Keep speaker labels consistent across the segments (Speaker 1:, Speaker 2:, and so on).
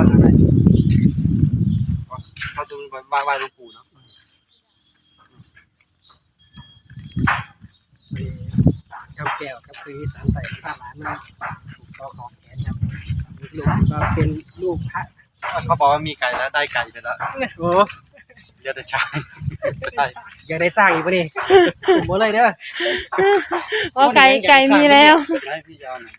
Speaker 1: ข้างในเขาจะไหว้หลวงปู่เนาะ
Speaker 2: เจ้าแก้วก็คือสารไต่ข้าหลานมาก็ของแขนครับลูกก็เป็นลูกพระ
Speaker 1: เขาบอกว่ามีไก่แล้วได้ไก่ไปแล้ว
Speaker 2: โอ้
Speaker 1: เยอะแต่ช้างได้
Speaker 2: อยากได้สร้างอีกปะนี่หมดเลยเด้อ
Speaker 3: อ๋อไก่มีแล้ว
Speaker 1: ให้พี่ยาวหน่อย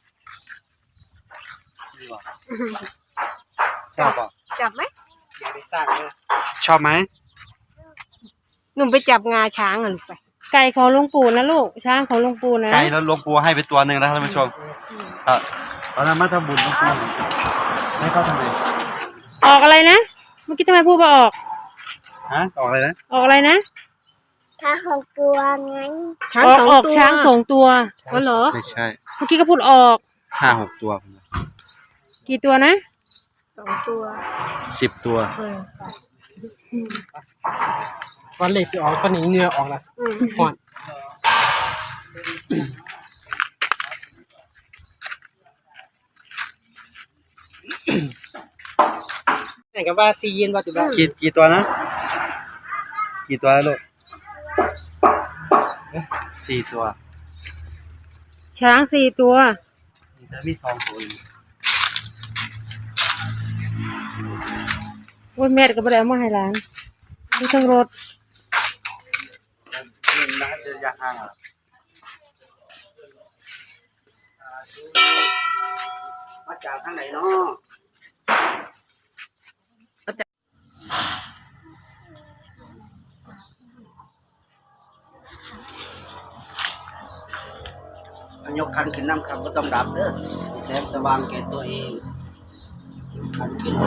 Speaker 1: นี่หว่าชอบป่ะ
Speaker 4: จับไหม
Speaker 2: อยากได้สร้างเลย
Speaker 1: ชอบไหม
Speaker 4: หนุ่มไปจับงาช้างอ่ะลูกไป
Speaker 3: ไก่ของหลวงปู่นะลูกช้างของหลวงปู่นะ
Speaker 1: ไก่แล้วหลวงปู่ให้ไปตัวหนึ่งนะท่านผู้ชมตอนนั้นมาทำบุญหลวงปู่ให้เขาทำไม
Speaker 3: ออกอะไรนะเมื่อกี้ทำไมพูดว่าออก
Speaker 1: ฮะออกอะไรนะ
Speaker 3: ออกอะไรนะ
Speaker 4: ช้างของตัวไง
Speaker 3: ออกช้าง2 ตัว
Speaker 4: ก็เหรอ
Speaker 1: ไม่ใช่
Speaker 3: เมื่อกี้ก็พูดออก
Speaker 1: 5-6 ตัว
Speaker 3: กี่ตัวนะ
Speaker 4: 2 ตัว
Speaker 1: 10 ตัว
Speaker 2: วันเล็กสิออกตอนนี้เหงื่อออกแล้วห่อนไหนกับว่าซีเย็นว่าติบ้า
Speaker 1: กี่ตัวนะกี่ตัวแล้วลูก4 ตัว
Speaker 3: ช้าง4 ตัว
Speaker 1: แต่มี2 ตัวอยู่
Speaker 3: โอ้ยแม่ก็บ่ได้เอามาให้หลานดูทั้งรถ
Speaker 1: น่าจะยากห่างอ่ะมาจากทางไหนเนาะยกคันขึ้นน้ำครับก็ต้องดับเด้อแสงสว่างแก่ตัวเองคันขึ้น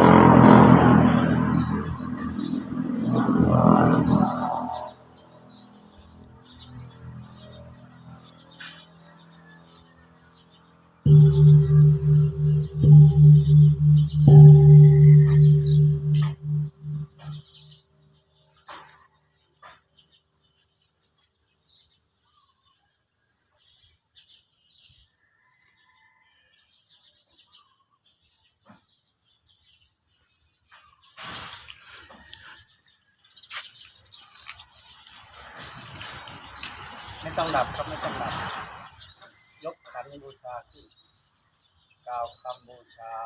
Speaker 1: ไม่ต้องดับครับไม่ต้องดับยกขันบูชาขึ้นกล่าวคำบูชา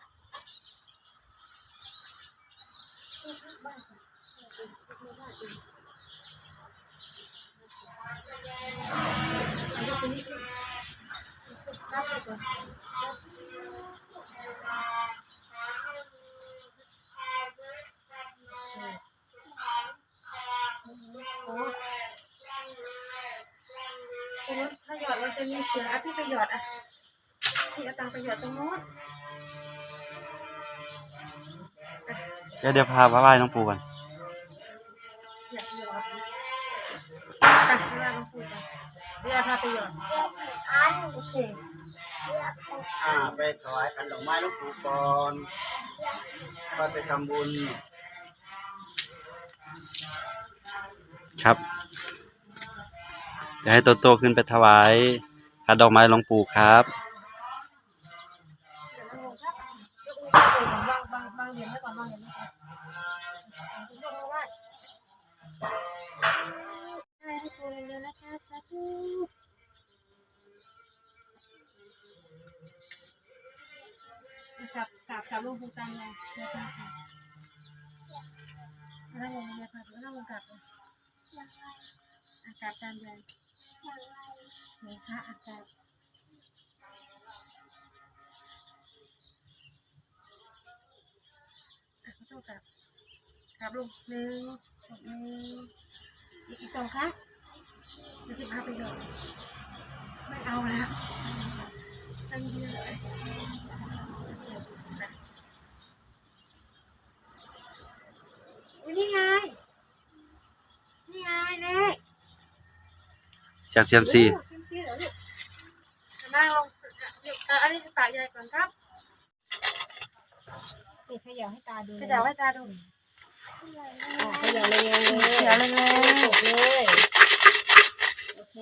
Speaker 3: ถ้าหยอดมันจะมีเสียงที่ประโยชน์ที่เอาตังประโยชน์ตรงนู้น
Speaker 1: เดี๋ยวพาไหว้หลวงปู่ก่อน
Speaker 3: อยากหยอดไหว้หลวงปู่ก่อนเดี๋ยวพาไปหยอดโอเค
Speaker 1: ไปถวายขันดอกไม้หลวงปู่ก่อนก็ไปทำบุญครับจะให้โตขึ้นไปถวายขันดอกไม้หลวงปู่ครับ
Speaker 3: กับหลวงปู่ตามเลยเดี๋ยวค่ะนั่งลงเลยค่ะนั่งลงกับอากาศตามเลยเดี๋ยวค่ะอากาศขอโทษกับลงอีก2 ค่ะจะพาไปหยอดไม่เอาแล้วตั้งเยอะเลยนี่ไงเน่
Speaker 1: เสียงเซียมซี
Speaker 3: นั่งลงอันนี้ปากใหญ่ก่อนครับ
Speaker 4: นี่ขยับให้ตาดู
Speaker 3: ขยับให้ตาดู
Speaker 4: ขยับเลย
Speaker 3: ขยับเลย
Speaker 4: จบเลยโอเค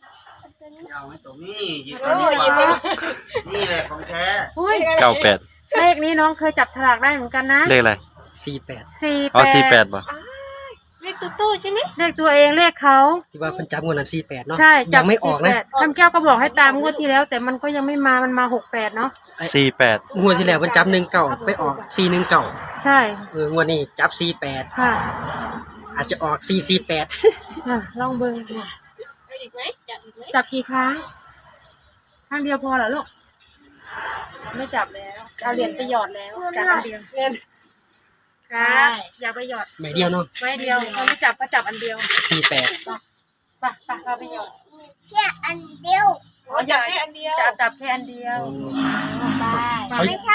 Speaker 1: ยาวไหมตรงนี้หยิบตัวนี้มานี่แหละของแท้
Speaker 3: 98 เลขนี้น้องเคยจับฉลากได้เหมือนกันนะ
Speaker 1: เลขอะไร
Speaker 2: 48
Speaker 1: อ๋อ48บ่
Speaker 4: เลขตู้ใช่ไหม
Speaker 3: เลขตัวเองเลขเขา
Speaker 2: ที่ว่าเพิ่นจับงวดนั้น48เนาะ
Speaker 3: ใช่
Speaker 2: ยังไม่ออกนะ
Speaker 3: คำแก้วก็บอกให้ตามงวดที่แล้ว แต่มันก็ยังไม่มามันมา68เนาะ
Speaker 1: 48
Speaker 2: งวดที่แล้วเพิ่นจับ19ไปออก419
Speaker 3: ใช่
Speaker 2: งวดนี้จับ48
Speaker 3: ค่ะ
Speaker 2: อาจจะออก448
Speaker 3: ลองเบิ่งดู
Speaker 4: เอาอีกไหมจับอีกไหม
Speaker 3: จับกี่ครั้งครั้งเดียวพอเหรอลูกไม่จับแล้วเอาเหรียญไปหยอดแล้วจับอันเดียว
Speaker 4: เงิน
Speaker 3: ครับอย่าไปหยอด
Speaker 2: ใบเดียวเนาะ
Speaker 3: ไว้เดียวเขาไม่จับก็จับอันเดียว
Speaker 2: 48
Speaker 3: ไปเราไปหยอด
Speaker 5: แค่อันเดียว
Speaker 4: อ๋อจับแค่อันเดียว
Speaker 3: จับแค่อันเดียว
Speaker 2: เขา
Speaker 5: ไม่ใช่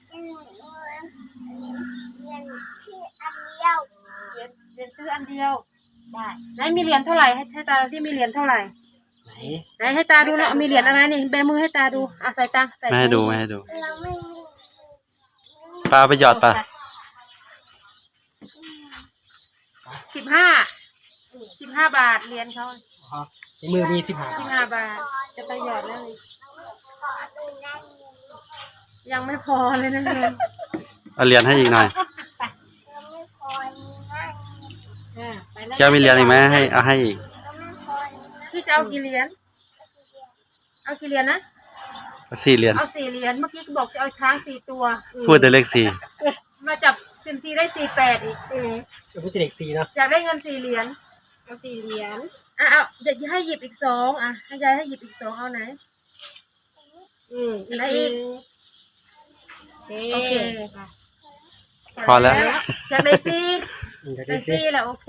Speaker 5: เงินที่อันเดียว
Speaker 3: เหรียญซื้ออันเดียวได้ไหนมีเหรียญเท่าไหร่ให้ตาที่มีเหรียญเท่าไหร่
Speaker 2: ไหน
Speaker 3: ไหนให้ตาดูแล้วมีเหรียญอะไรนี่แบมือให้ตาดูใส่ตาใส่
Speaker 1: ไม่ให้ดูไม่ให้ดู
Speaker 5: เราไม่มี
Speaker 1: ปลาไปหยอดปลา
Speaker 3: 15 บาทเหรียญเขา
Speaker 2: ในมือมี15
Speaker 3: 15 บาทจะไปหยอดแล้วนี่ยังไม่พอเลยนะเงิน
Speaker 1: เอาเหรียญให้อีกหน่อย
Speaker 5: เราไม่พอนี่นะ
Speaker 4: ไปแล้ว
Speaker 1: แก้วมีเหรียญอีกไหมให้เอาให้อีก
Speaker 5: เราไม่พอนี่นะ
Speaker 3: พี่จะเอากี่เหรียญเอากี่เหรียญนะ
Speaker 1: 4 เหรียญ
Speaker 3: เอา4 เหรียญเมื่อกี้บอกจะเอาช้าง4 ตัว
Speaker 1: พูดแต่เลข
Speaker 3: มาจับเซมซีได้48อีก
Speaker 2: ก็เป็นเลข4เนาะ
Speaker 3: อยากได้เงิน4 เหรียญ
Speaker 4: เอา4 เหรียญ
Speaker 3: เอาเดี๋ยวให้หยิบอีก2ให้ยายให้หยิบอีก2เอาไหน
Speaker 4: อีก
Speaker 3: แล้ว
Speaker 4: ที
Speaker 3: อีก
Speaker 4: โอเค
Speaker 1: 4 พอแล้ว
Speaker 3: อยากได้4
Speaker 2: จะ
Speaker 3: ได้
Speaker 2: ได้
Speaker 3: 4แล้วโอเค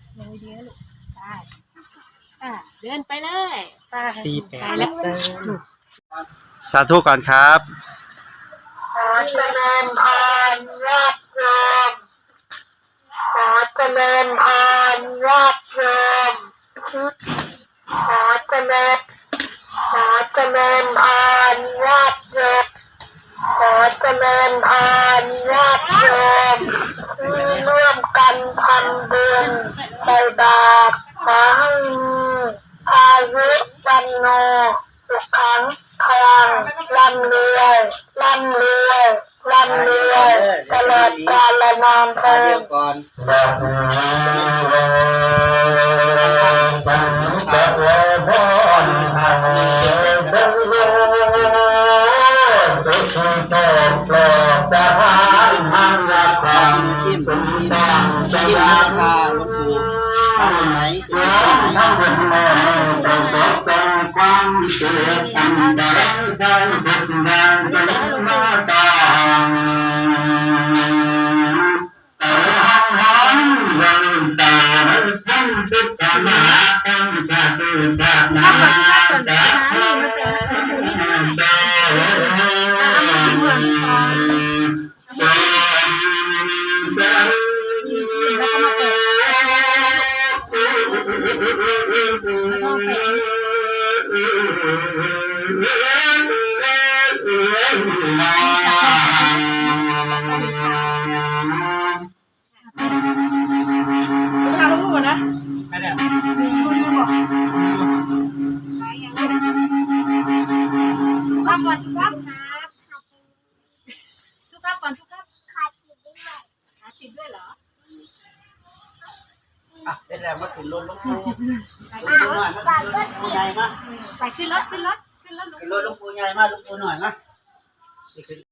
Speaker 4: เดินไปเลย
Speaker 3: ไป
Speaker 2: 48แล้ว
Speaker 1: สาธุก่อนครับ
Speaker 5: ขอเจริญพรรับรองขอเจริญพรรับรองขอเจริญขอเจริญพรรับรองขอเจริญพรรับรองร่วมกันทำบุญใส่บาตรขอให้อายุวันโนสุขังพลังร่ำรวยร่ำรวยร่ำรวยตลอดกาลนานเทอญ
Speaker 1: ก่อน จิ้มราคาหลวงปู่ทำไหน
Speaker 4: ข้าวลูกก่อนนะ
Speaker 2: ไปแล้ว
Speaker 3: ครับก่อนทุกครับทุกครับก่อนทุกครับ
Speaker 5: ขาดอยู่ด้วย
Speaker 4: หาติดด้วยเหรอ
Speaker 1: เป็นแล้วมาถึงรถหลวงปู่
Speaker 5: ฝากก็
Speaker 1: ใหญ่มา
Speaker 4: ไปขึ้นรถ
Speaker 1: ขึ้นรถหลวงปู่ใหญ่มาหลวงปู่หน่อยมา